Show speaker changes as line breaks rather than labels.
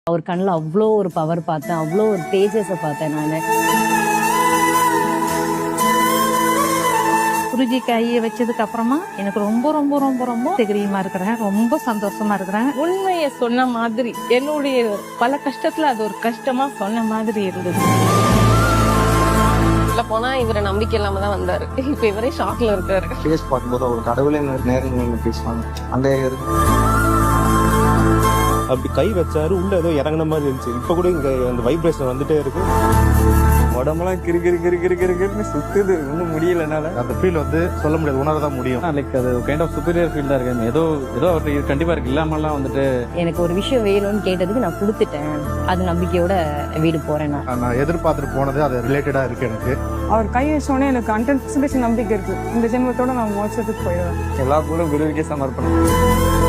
அவர் கண்ணில் அவ்வளோ ஒரு பவர் பார்த்தேன், அவ்வளோ ஒரு தேஜஸை பார்த்தேன் நான்.
குருஜி கையை வச்சதுக்கு அப்புறமா எனக்கு ரொம்ப ரொம்ப ரொம்ப ரொம்ப தைரியமா இருக்கிறேன், ரொம்ப சந்தோஷமா இருக்கிறேன்.
உண்மையை சொன்ன மாதிரி, என்னுடைய பல கஷ்டத்துல அது ஒரு கஷ்டமா சொன்ன மாதிரி இருந்தது. போனா இவரை நம்பிக்கை இல்லாம தான் வந்தாரு. இப்ப இவரே ஷாக்ல இருக்காரு.
ஃபேஸ் பார்க்கும்போது ஒரு கடவுளே நேரம் நீங்க பேசுவாங்க அந்த
அப்படி கை வச்சாரு, உள்ள ஏதோ இறங்கின மாதிரி இருந்துச்சு. இப்ப கூட இங்க அந்த வைப்ரேஷன் வந்துட்டே இருக்கு.
உடம்பெல்லாம் கிரு கிரு கிரு கிரு கிரு கிருன்னு சுத்துது, ஒன்றும் முடியலனால.
அந்த ஃபீல் சொல்ல முடியாது, உணரதான் முடியும்.
லைக் அது கைண்ட் ஆஃப் சுப்பீரியர் ஃபீல் தான் இருக்கு. ஏதோ அவருக்கு கண்டிப்பா இருக்கு, இல்லாமலாம்
எனக்கு ஒரு விஷயம் வேணும்னு கேட்டதுக்கு நான் கொடுத்துட்டேன். அது நம்பிக்கையோட வீடு போறேன்.
நான் எதிர்பார்த்துட்டு போனது அது ரிலேட்டடா இருக்கு எனக்கு.
அவர் கை வச்சோடனே எனக்கு 100% நம்பிக்கை இருக்கு. இந்த ஜென்மத்தோட நான் மோட்சத்துக்கு போயிடுவேன்.
எல்லா பூலும் குருவுக்கே சமர்ப்பணம்.